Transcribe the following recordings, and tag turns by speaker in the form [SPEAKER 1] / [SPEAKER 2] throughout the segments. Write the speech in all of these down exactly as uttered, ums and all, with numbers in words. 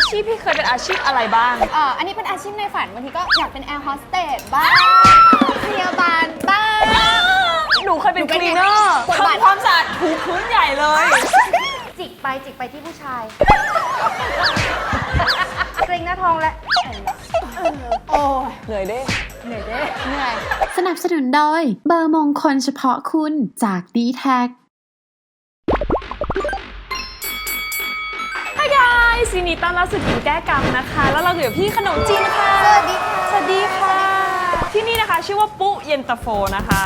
[SPEAKER 1] ชีพพี่เคยเป็นอาชีพอะไรบ้าง
[SPEAKER 2] เอ่ออันนี้เป็นอาชีพในฝันบางทีก็อยากเป็นแอร์โฮสเตสบ้างพยาบาลบ้าง
[SPEAKER 1] หนูเคยเป็นคลีนเนอร์ทำความสะอาดถูพื้นใหญ่เลย
[SPEAKER 2] จิกไปจิกไปที่ผู้ชายเกรงหน้าท้องและโอ้
[SPEAKER 1] เหนื่อยเด้
[SPEAKER 2] เหนื่อยเด้เหนื่อย
[SPEAKER 3] สนับสนุนโดยเบอร์มงคลเฉพาะคุณจาก ดี แท็ก
[SPEAKER 1] Hi guys ยินดีต้อนรับสู่กินแก้กรรมนะคะแล้วเราอยู่กับพี่ขนมจีนนะคะ
[SPEAKER 2] สวัสดีค่ะ
[SPEAKER 1] สวัสดีค่ะที่นี่นะคะชื่อว่าปุ๊เย็นตาโฟนะคะ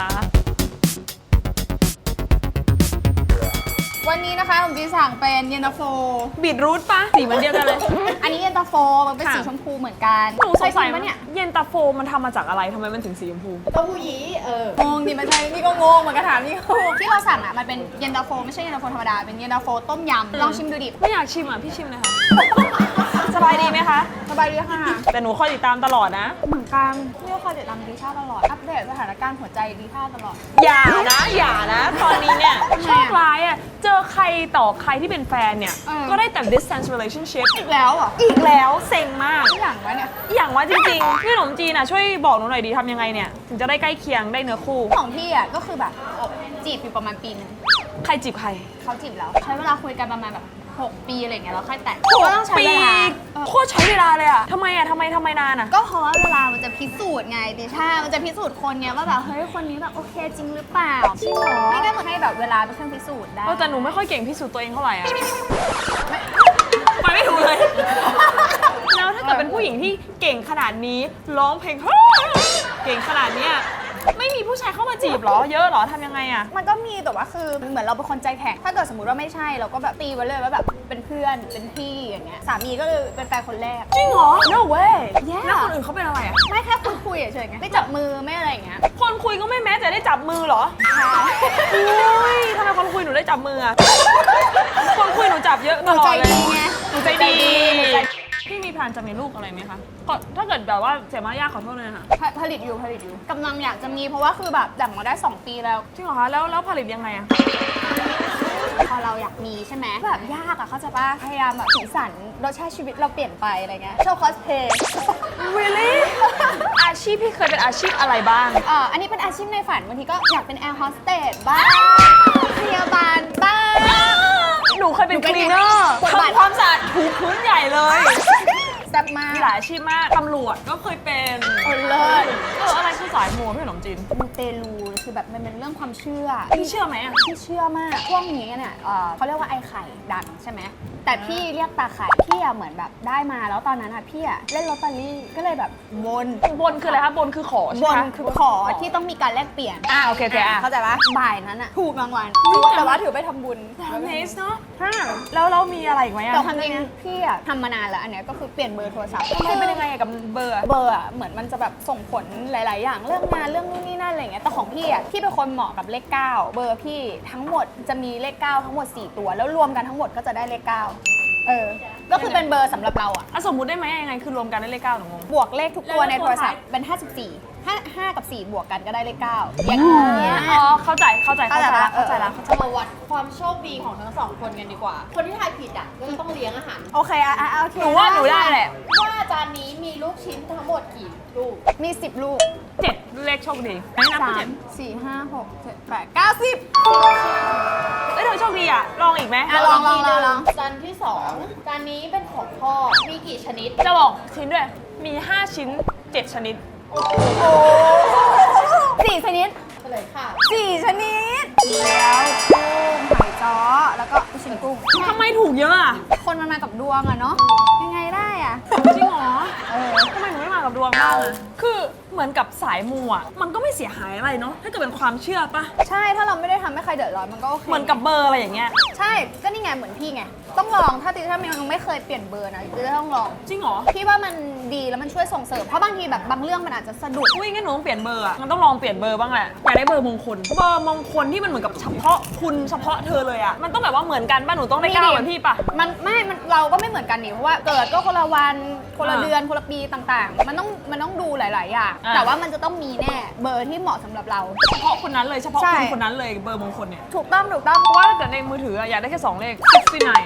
[SPEAKER 2] วันนี้นะคะผมจีสั่งเป็นเย็นตาโฟ
[SPEAKER 1] บีทรูทปะสีมันเดียวกันเลย
[SPEAKER 2] อันนี้เย็นตาโฟมันเป็นสีชมพูเหมือนกัน
[SPEAKER 1] หนูสงสัยว่าเนี่ยเย็นตาโฟมันทำมาจากอะไรทำไมมันถึงสีชมพู
[SPEAKER 2] เต้าหู้ยี้เอองงดิมันใช่นี่ก็งงเหมือนกันถามนี่ที่เราสั่งอ่ะมันเป็นเย็นตาโฟไม่ใช่เย็นตาโฟธรรมดาเป็นเย็นตาโฟต้มยำลองชิมดูดิ
[SPEAKER 1] ไม่อยากชิมอ่ะพี่ชิมเลยค่ะสบายดีไหมคะ
[SPEAKER 2] สบายดีค่ะ
[SPEAKER 1] แต่หนูคอยติดตามตลอดนะ
[SPEAKER 2] เหมือนกันเรียกคอยติดตามดีชาตลอดอัปเดตสถานการณ์หัวใจดีชาตลอด
[SPEAKER 1] อย่านะอย่านะตอนนี้เนี่ยโชคร้ายอ่ะเจอใครต่อใครที่เป็นแฟนเนี่ยก็ได้แต่ distance relationship
[SPEAKER 2] อีกแล้วอ่ะ
[SPEAKER 1] อีกแล้วเซ็งมาก
[SPEAKER 2] อย่างวะเนี่ย
[SPEAKER 1] อย่างว่าจริงๆพี่ขนมจีนอ่ะช่วยบอกหนูหน่อยดีทำยังไงเนี่ยถึงจะได้ใกล้เคียงได้เนื้อคู่
[SPEAKER 2] ของพี่อ่ะก็คือแบบจีบอยู่ประมาณปีนึง
[SPEAKER 1] ใครจีบใคร
[SPEAKER 2] เขาจีบแล้วใช้เวลาคุยกันประมาณแบบหกปีอะไรเงี้ยแล้วค่อยแต่ง
[SPEAKER 1] ก็ต้องใช้เวลาโคตรใช้เวลาเลยอ่ะทำไมอ่ะทำไมทำไมนานอ่ะ
[SPEAKER 2] ก็เพราะว่าเวลามันจะพิสูจน์ไงดิช่ามันจะพิสูจน์คนเนี้ยว่าแบบเฮ้ยคนนี้แบบโอเคจริงหรือเปล่า
[SPEAKER 1] จริงเหรอ
[SPEAKER 2] นี่ก็เหมือนให้แบบเวลาเป็นเครื่องพิสูจน์ได้
[SPEAKER 1] แต่หนูไม่ค่อยเก่งพิสูจน์ตัวเองเท่าไหร่อ่ะไปไม่ถูกเลยแล้วถ้าเกิดเป็นผู้หญิงที่เก่งขนาดนี้ร้องเพลงเก่งขนาดเนี้ยไม่มีผู้ชายเข้ามาจีบหรอเยอะหรอทำยังไงอะ
[SPEAKER 2] มันก็มีแต่ว่าคือเหมือนเราเป็นคนใจแข็งถ้าเกิดสมมติว่าไม่ใช่เราก็แบบตีไว้เลยว่าแบบเป็นเพื่อนเป็นพี่อย่างเงี้ยสามีก็คือเป็นแฟนคนแรก
[SPEAKER 1] จริงเหรอ no way
[SPEAKER 2] แล้ว
[SPEAKER 1] คนอื่นเขาเป็นอะไรอะ
[SPEAKER 2] ไม่แค่คุยคุยเฉยๆไงไม่จับมือไม่อะไรอย่างเงี้ย
[SPEAKER 1] คนคุยก็ไม่แม้แต่ได้จับมือหรออุ้ยทำไมคนคุยหนูได้จับมืออะคนคุยหนูจับเยอะตลอดเลยหนูใจดีพี่มีแผนจะมีลูกอะไรไหมคะถ้าเกิดแบบว่าเสียมารยาทขอโทษเลยค่ะ
[SPEAKER 2] ผลิตอยู่ผลิตอยู่กำลังอยากจะมีเพราะว่าคือแบบดั่งมาได้สองปีแล้ว
[SPEAKER 1] จริงเหรอคะแล้วแล้วผลิตยังไงอะ
[SPEAKER 2] พอเราอยากมีใช่ไหมแบบยากอะเขาจะป่ะพยายามแบบสีสันรสชาติชีวิตเราเปลี่ยนไปอะไรเงี้ยชอบคอสเพย์
[SPEAKER 1] really อาชีพพี่เคยเป็นอาชีพอะไรบ้าง
[SPEAKER 2] เอ่ออันนี้เป็นอาชีพในฝันบางทีก็อยากเป็นแอร์โฮสเตสบ้างพยาบาลบ้าง
[SPEAKER 1] หนูเคยเป็นคลีนเนอร์ทำความสะอาดถูพื้นใหญ่เลย
[SPEAKER 2] แซ่บมาก
[SPEAKER 1] มีหลายอาชีพมากตำรวจก็เคยเป็น
[SPEAKER 2] โอ้เลิศ
[SPEAKER 1] เอออะไรคือสายมูพี่ขนมจีน
[SPEAKER 2] มูเตลูคือแบบมันเป็นเรื่องความเชื่อ
[SPEAKER 1] พี่เชื่อไหมอ่ะ
[SPEAKER 2] พี่เชื่อมากช่วงนี้เนี่ยเขาเรียกว่าไอ้ไข่ดังใช่ไหมแต่พี่เรียกตาไข่พี่อะเหมือนแบบได้มาแล้วตอนนั้นอะพี่อะเล่นลอตเตอรี่ก็เลยแบบบน
[SPEAKER 1] บนคืออะไรคะบนคือขอใช่ไหม
[SPEAKER 2] บนคือขอที่ต้องมีการแลกเปลี่ยน
[SPEAKER 1] อ่าโอเคโอเคอ่ะ
[SPEAKER 2] เข้าใจปะบ่ายนั้นอะถูกรางวัลแต่ว่าถือไปทำบุญ
[SPEAKER 1] เนสเนาะแล้วเรามีอะไรอีกไหมอะ
[SPEAKER 2] แต่ความจริงพี่อะทำมานานแล้วอันเนี้ยก็คือเปลี่ยนเบอร์โทรศัพท์
[SPEAKER 1] ทำไมเป็นยังไงกับเบอร์
[SPEAKER 2] เบอร์อะเหมือนมันจะแบบส่งผลหลาย ๆ อย่างเรื่องงานเรื่องนู่นนี่นั่นอะไรเงี้ยแต่ของพี่อะพี่เป็นคนเหมาะกับเลขเก้าเบอร์พี่ทั้งหมดจะมีเลขเก้าทั้งหมดสี่ตัวแล้วรวมกันทั้งหมดก็จะได้เลขเก้าเออก็คือเป็นเบอร์สำหรับเราอะ
[SPEAKER 1] สมมุติได้ไหมยังไงคือรวมกันได้เลขเก้าหนูงง
[SPEAKER 2] บวกเลขทุกตัวในโทรศัพท์เป็นห้าสิบสี่ห้า ห้ากับสี่บวกกันก็ได้เลขเก้าอย่างเงี้ย
[SPEAKER 1] อ๋อเข้าใจเข้าใจเข้าใจละเข้าใจละ
[SPEAKER 4] มาวัดความโชคดีของทั้งสองคนกันดีกว่าคนที่ทายผิดอ่ะก็จะต้องเลี้ยงอาหาร
[SPEAKER 2] โอเคอ่ะโอเค
[SPEAKER 1] หนูว่าหนูได้แหละ
[SPEAKER 4] ว่าจานนี้มีลูกชิ้นทั้งหมดกี่ลูก
[SPEAKER 2] มีสิบลูก
[SPEAKER 1] เจ็ดเลขโชคดีไม่นับเจ็ด
[SPEAKER 2] สี่ห้าหกเจ็ดแปดเก้าสิบ
[SPEAKER 1] เอ้ยเธอโชคดีอ่ะลองอีกไหม
[SPEAKER 2] ลองลองลอง
[SPEAKER 4] จานที่สองจานนี้เป็นของพ่อมีกี่ชนิด
[SPEAKER 1] จะบอกชิ้นด้วยมีห้าชิ้นเจ็ดชนิด
[SPEAKER 2] โอ้สี่ชนิด
[SPEAKER 4] เฉลยค่ะ
[SPEAKER 2] สี่ชนิดแล้วกุ้งหอยจ้อแล้วก็ลูกชิ้นกุ้ง
[SPEAKER 1] ทำไมถูกเยอะอ่ะ
[SPEAKER 2] คนมันมากับดวงอะเนาะยังไงได้อะ
[SPEAKER 1] จริงเหรอเออทำไมหนูไม่มากับดวงบ้างอะคือเหมือนกับสายมูอ่ะมันก็ไม่เสียหายอะไรเนาะถ้าเกิดเป็นความเชื่อปะ
[SPEAKER 2] ใช่ถ้าเราไม่ได้ทำให้ใครเดือดร้อนมันก็โอเค
[SPEAKER 1] เหมือนกับเบอร์อะไรอย่างเงี้ย
[SPEAKER 2] ใช่ก็นี่ไงเหมือนพี่ไงต้องลองถ้าติถ้ายังไม่เคยเปลี่ยนเบอร์นะติต้องลอง
[SPEAKER 1] จริงเหรอ
[SPEAKER 2] พี่ว่ามันดีแล้วมันช่วยส่งเสริมเพราะบางทีแบบบางเรื่องมันอาจจะสะดุด
[SPEAKER 1] อุ้ยงั้นหนูต้องเปลี่ยนเบอร์อ่ะมันต้องลองเปลี่ยนเบอร์บ้างแหละอยากได้เบอร์มงคลเบอร์มงคลที่มันเหมือนกับเฉพาะคุณเฉพาะเธอเลยอ่ะมันต้องแบบว่าเหมือนกันป่ะหนูต้องได้เก้าเหมือนพี่ป่ะ
[SPEAKER 2] มันไม่มันเราก็ไม่เหมือนกันนี่เพราะว่าเกิดก็คนละวันคนละเดือนคนละปีต่างๆมันต้องมันต้องดูหลายๆอย่างแต่ว่ามันจะต้องมีแน่เบอร์ที่เหมาะสำหรับเรา
[SPEAKER 1] เฉพาะคนนั้นเลยเฉพาะคนคนนั้นเลยเบอร์มงคลเนี่ย
[SPEAKER 2] ถูกต้องถูกต้อง
[SPEAKER 1] เพราะว่าถ้าเกิดในมือถืออยากได้แค่สองเลขหกสิบเก้า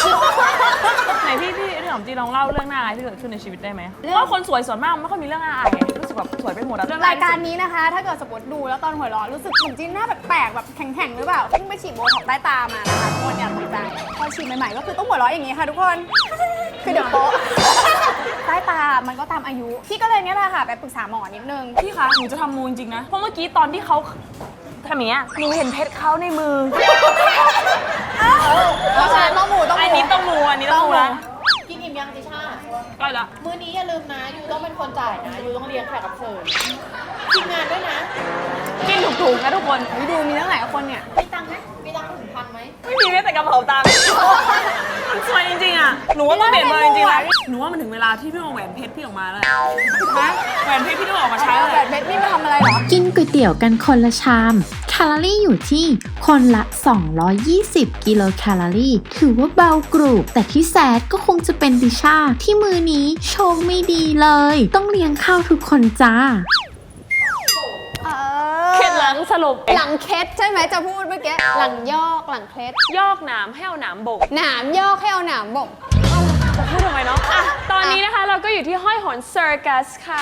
[SPEAKER 1] ไหนพี่พี่เรื่องของจีลองเล่าเรื่องน่าอายที่เกิดขึ้นในชีวิตได้ไหมเพราะว่าคนสวยส่วนมากไม่ค่อยมีเรื่องน่าอายไงรู้สึกแบบสวยไปหมดอะเรื่อง
[SPEAKER 2] รายการนี้นะคะ ถ้าเกิดสมมติดูแล้วตอนหัวเราะรู้สึกเหมือนจีนหน้าแปลกๆแบบแข็งๆหรือเปล่าเพิ่งไปฉีดโบท็อกซ์ใต้ตามานะคะทุกคนอย่าตกใจพอฉีดใหม่ๆก็คือต้องหัวเราะอย่างนี้ค่ะทุกคนคือเดี๋ยวโป๊ะใต้ตามันก็ตามอายุพี่ก็เลยเนี่ยแหละค่ะไปปรึกษาหมอนิดนึง
[SPEAKER 1] พี่คะหนูจะทำมูจริงๆนะเพราะเมื่อกี้ตอนที่เขาทำอย่างเงี้ยหนูเห็นเพชรเขาในมือ
[SPEAKER 2] เพราะฉะนั้นต้องหมูต้องหมู
[SPEAKER 1] อันนี้ต้องมูอันนี้ต้องมูนะ
[SPEAKER 4] กินอิ่มยังติชา
[SPEAKER 1] ใกล้ละ
[SPEAKER 4] มื้อนี้อย่าลืมนะยูต้องเป็นคนจ่ายนะยูต้องเลี้ยงแขกรับเชิญทีมงานด้วยนะ
[SPEAKER 1] กินถูกๆนะทุกคน
[SPEAKER 2] อุ๊ยดูมีตั้งหลายคนเนี่ย
[SPEAKER 4] มีตังค์ไหมมีตังค์ถึงพันไหม
[SPEAKER 1] ไม่มีแม้แต่กระเป๋าตังค์มันสวยจริงๆอ่ะหนูว่าต้องเปลี่ยนเบอร์จริงๆแล้วหนูว่ามันถึงเวลาที่พี่เอาแหวนเพชรพี่ออกมาแล้วฮะแหวนเพชรพี่ต้องออกมาใช้แล้ว
[SPEAKER 2] แบบเบ็ดนี่มาทำอะไรเหรอ
[SPEAKER 3] กินก๋วยเตี๋ยวกันคนละชาม แคลอรี่อยู่ที่คนละ สองร้อยยี่สิบ กิโลแคลอรี่ ถือว่าเบากรุบแต่ที่แซดก็คงจะเป็นดิชาที่มือนี้โชคไม่ดีเลย ต้องเลี้ยงข้าวทุกคนจ้า
[SPEAKER 2] เออ
[SPEAKER 1] เคล็ดหลังสรุป
[SPEAKER 2] หลังเคล็ดใช่ไหมจะพูดเมื่อกี้หลังยอกหลังเคล็ด
[SPEAKER 1] ยอกหนามให้เอาหนามโบก
[SPEAKER 2] หนามยอกให้เอาหนามบ่ง
[SPEAKER 1] จะพูดทำไมเนาะอ่ะตอนนี้นะคะเราก็อยู่ที่ห้อยโหนเซอร์กัสค่ะ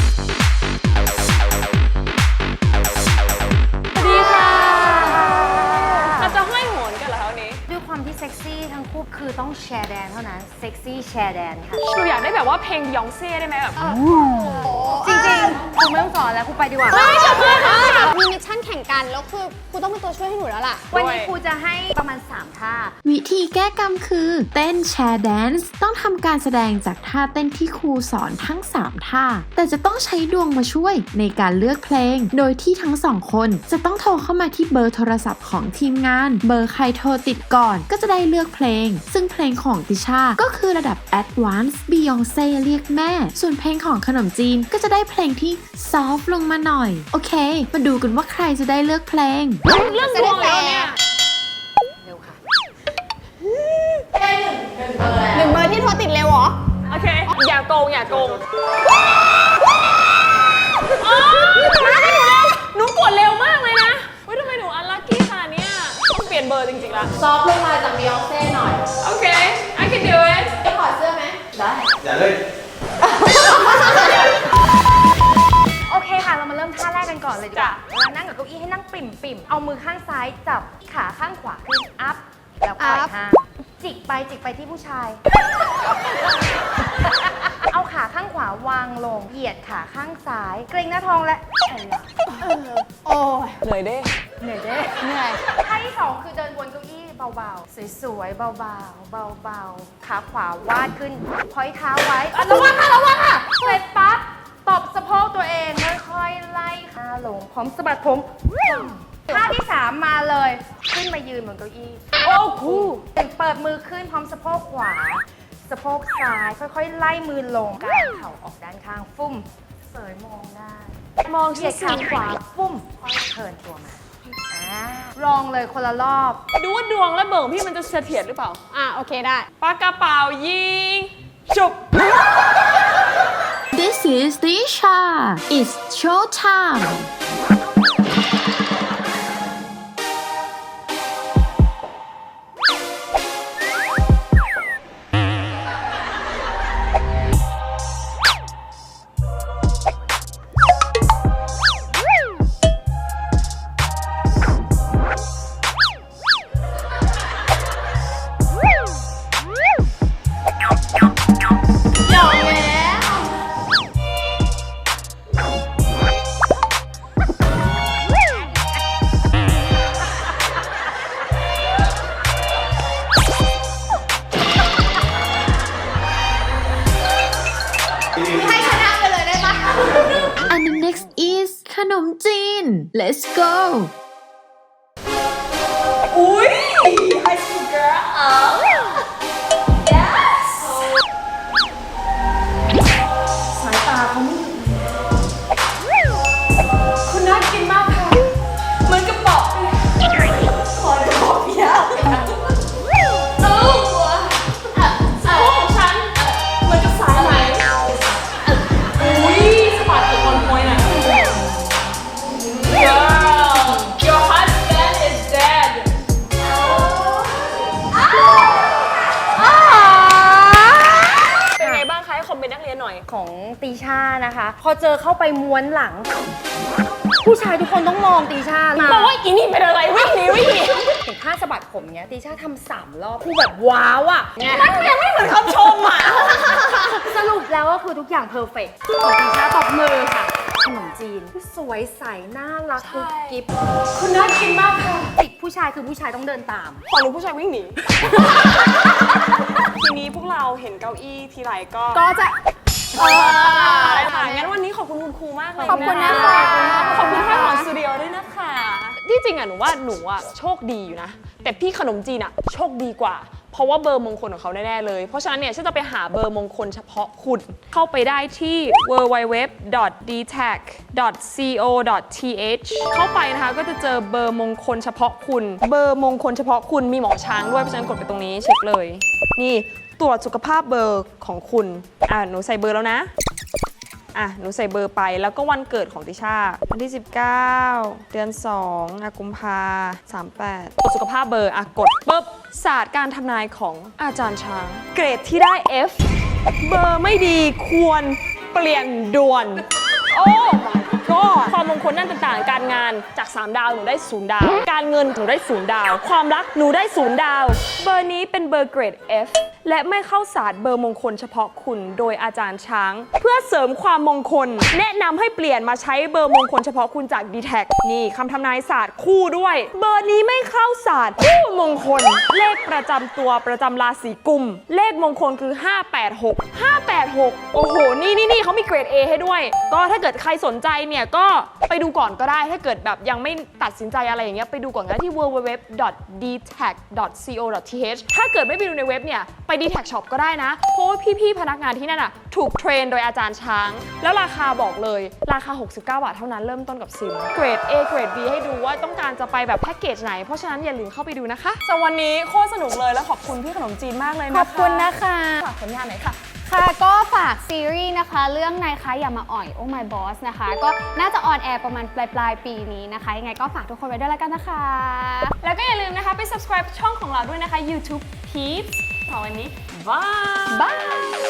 [SPEAKER 1] สวัสดีค่ะเราจะห้อยโหนกันเหรอคะวันนี้
[SPEAKER 5] ด้วยความที่เซ็กซี่ทั้งคู่คือต้องแชร์แดนเท่านั้น เซ็กซี่แชร์แดนค่ะ
[SPEAKER 1] หนูอยากได้แบบว่าเพลงยองเซ่ได้ไหมแบบ
[SPEAKER 5] จริงๆคุณไม่ต้องสอนแล้วคุณไปดีกว่า
[SPEAKER 2] ไม่จบเลยค่ะมีมิชชั่นแข่งกันแล้วคือครูต้องเป็นตัวช่วยให้หนูแล้วล่ะ
[SPEAKER 5] วันนี้ครูจะให้ประมาณ สาม ท่า
[SPEAKER 3] วิธีแก้กรรมคือ เต้นแชร์แดนซ์ต้องทำการแสดงจากท่าเต้นที่ครูสอนทั้ง สาม ท่า แต่จะต้องใช้ดวงมาช่วยในการเลือกเพลง โดยที่ทั้งสองคนจะต้องโทรเข้ามาที่เบอร์โทรศัพท์ของทีมงาน เบอร์ใครโทรติดก่อนก็จะได้เลือกเพลง ซึ่งเพลงของติชาก็คือระดับ Advanced Beyonce เรียกแม่ ส่วนเพลงของขนมจีนก็จะได้เพลงที่ซอฟต์ลงมาหน่อย โอเค มาดูกันว่าใครจะได้เลือกเพลง
[SPEAKER 1] เรื่องดวงแล้วเนี่ย
[SPEAKER 5] เร็วค่ะ
[SPEAKER 2] หนึ่งเบอร์ที่โทรติดเร็วเหรอ
[SPEAKER 1] โอเค อย่าโกง อย่าโกงอ๋อมาให้หนูเร็ว หนูกดเร็วมากเลยนะเฮ้ยทำไมหนูอันลัคกี้ขนาดเนี้ยต้องเปลี่ยนเบอร์จริงๆละ
[SPEAKER 4] ซอฟต์ลงมาจากบียองเซ่หน่อย
[SPEAKER 1] โอเค I can do it
[SPEAKER 4] จะถอดเสื้อไหมได้
[SPEAKER 6] อย่าเลย
[SPEAKER 5] โอเคค่ะ เรามาเริ่มท่าแรกกันก่อนเลยดีกว่าเวลานั่งกับเก้าอี้ให้นั่งปิ่มปิ่มๆเอามือข้างซ้ายจับขาข้างขวาขึ้น อัพ แล้วปล่อย
[SPEAKER 2] up
[SPEAKER 5] ห่างจิกไปจิกไปที่ผู้ชาย เอาขาข้างขวาวางลง เหยียดขาข้างซ้าย เกรงหน้าท้องและแอนหลัง
[SPEAKER 2] โอ้ย
[SPEAKER 1] เหนื่อยเด้
[SPEAKER 5] เหนื่อยเด้
[SPEAKER 2] เหนื่อย
[SPEAKER 5] ท่าที่สองคือเดินบนเก้าอี้เบาๆ สวยๆ เบาๆ เบาๆ ขาขวาวาดขึ้นพอยเท้าไว้อ่ะระวังค่ะระวังค่ะ เสร็จปั๊บตบสะโพกตัวเอง ค่อยๆ ไล่ขาลง พร้อมสะบัดผมท่าที่สามมาเลย ขึ้นมายืนบนเก้าอี้
[SPEAKER 1] โอ้คู
[SPEAKER 5] เปิดมือขึ้นพร้อมสะโพกขวา สะโพกซ้าย ค่อยๆ ไล่มือลงกางเข่าออกด้านข้าง ฟุ่ม เสยมองได้
[SPEAKER 1] มอง
[SPEAKER 5] เหยี
[SPEAKER 1] ชิ
[SPEAKER 5] ย
[SPEAKER 1] ด
[SPEAKER 5] ด
[SPEAKER 1] ขา
[SPEAKER 5] ขาขวาปุ้มค่อยเทิร์นตัวมาอ่าลองเลยคนละรอบ
[SPEAKER 1] ดูว่าดวงและเบอร์ของพี่มันจะเสถียรหรือเปล่า
[SPEAKER 2] อ่ะโอเคได้
[SPEAKER 1] ปากกระเป๋ายิง จุบ
[SPEAKER 3] This is Tisha It's show time
[SPEAKER 2] ให้ชนะไปเลยได้ปะ
[SPEAKER 3] And the next is ขนมจีน Let's go
[SPEAKER 1] อุ้ย High school girl yes สายตาเขาไม่หยุดคุณน่ากินมากค่ะเหมือนกระป๋องขอกระป๋องเยอะเอ้าหัวสะโพกของฉันเหมือนกับสายไหมอุ้ยสะบัดกับคนมวยน่ะ girl ให้คอมเมนต์นักเรียนหน่อย
[SPEAKER 5] ของตีชานะคะ พอเจอเข้าไปม้วนหลัง ผู้ชายทุกคนต้องมองตีชามา
[SPEAKER 1] บอกว่าอีนี่เป็นอะไรวิ่งหนีวิ่งหนี
[SPEAKER 5] เห็นท่าสะบัดผมเนี้ยตีชาทำสามรอบคือแบบว้าวอ่ะ
[SPEAKER 1] มันยังไม่เหมือนคำชมอ่ะ
[SPEAKER 5] สรุปแล้วก็คือทุกอย่างเพอร์เฟกต์ของตีชาตบมือค่ะ ขนมจีนสวยใสน่ารักกุ๊บกิ๊บคุณน่ากินมากค่ะติดผู้ชายคือผู้ชายต้องเดินตาม
[SPEAKER 1] ขอรู้ผู้ชายวิ่งหนี ทีนี้พวกเราเห็นเก้าอี้ทีไรก็
[SPEAKER 2] ก็จะ
[SPEAKER 1] เออค่ะงั้นวันนี้ขอบคุณคุณครูมากเลย
[SPEAKER 2] ขอบคุณนะคะ
[SPEAKER 1] ขอบคุณท่านของสตูดิโอด้วยนะคะ ที่จริงอ่ะหนูว่าหนูอ่ะโชคดีอยู่นะ แต่พี่ขนมจีนอ่ะโชคดีกว่า เพราะว่าเบอร์มงคลของเขาแน่ๆเลย เพราะฉะนั้นเนี่ยฉันจะไปหาเบอร์มงคลเฉพาะคุณ เข้าไปได้ที่ ดับเบิลยู ดับเบิลยู ดับเบิลยู ดอท ดี แท็ก ดอท ซี โอ ดอท ที เอช เข้าไปนะคะก็จะเจอเบอร์มงคลเฉพาะคุณ เบอร์มงคลเฉพาะคุณมีหมอช้างด้วยเพราะฉะนั้นกดไปตรงนี้เช็คเลย นี่ตรวจสุขภาพเบอร์ของคุณอ่ะหนูใส่เบอร์แล้วนะอ่ะหนูใส่เบอร์ไปแล้วก็วันเกิดของติชาวันที่สิบเก้าเดือนสองอ่ะกุมภาสามแปดตรวจสุขภาพเบอร์อ่ะกดปุ๊บศาสตร์การทำนายของอาจารย์ช้างเกรดที่ได้ F เบอร์ไม่ดีควรเปลี่ยนด่วน โอ้ ก็ความมงคลด้านต่างๆ การงานจากสามดาวหนูได้ศูนย์ดาว การเงินหนูได้ศูนย์ดาว ความรักหนูได้ศูนย์ดาว เบอร์นี้เป็นเบอร์เกรด F และไม่เข้าศาสตร์เบอร์มงคลเฉพาะคุณโดยอาจารย์ช้าง เพื่อเสริมความมงคล แนะนำให้เปลี่ยนมาใช้เบอร์มงคลเฉพาะคุณจาก ดี แท็ก นี่คำทำนายศาสตร์คู่ด้วย เบอร์นี้ไม่เข้าศาสตร์คู่มงคล เลขประจำตัวประจำราศีกุมเลขมงคลคือห้าแปดหก ห้าแปดหกโอ้โหนี่นี่นี่เขามีเกรด A ให้ด้วย ก็ถ้าเกิดใครสนใจเนี่ยก็ไปดูก่อนก็ได้ถ้าเกิดแบบยังไม่ตัดสินใจอะไรอย่างเงี้ยไปดูก่อนก็ได้ที่ ดับเบิลยู ดับเบิลยู ดับเบิลยู ดอท ดี แท็ก ดอท ซี โอ ดอท ที เอช ถ้าเกิดไม่ไปดูในเว็บเนี่ยไป ดี แท็ก ช็อป ก็ได้นะเพราะว่าพี่ๆพนักงานที่นั่นอ่ะถูกเทรนโดยอาจารย์ช้างแล้วราคาบอกเลยราคาหกสิบเก้าบาทเท่านั้นเริ่มต้นกับซิมเกรด A เกรด B ให้ดูว่าต้องการจะไปแบบแพ็กเกจไหนเพราะฉะนั้นอย่าลืมเข้าไปดูนะคะสำหรับวันนี้โคตรสนุกเลยแล้วขอบคุณพี่ขนมจีนมากเลยนะคะ
[SPEAKER 2] ขอบคุณนะคะ
[SPEAKER 1] ฝากผลงานหน่อยค่ะ
[SPEAKER 2] ค่ะก็ฝากซีรีส์นะคะเรื่องนายคะอย่ามาอ่อย Oh My Boss นะคะก็น่าจะออนแอร์ประมาณปลายปลายๆปีนี้นะคะยังไงก็ฝากทุกคนไว้ด้วยแล้วกันนะคะ
[SPEAKER 1] แล้วก็อย่าลืมนะคะไป subscribe ช่องของเราด้วยนะคะ YouTube Peeps สำหรับวันนี้บาย
[SPEAKER 2] บาย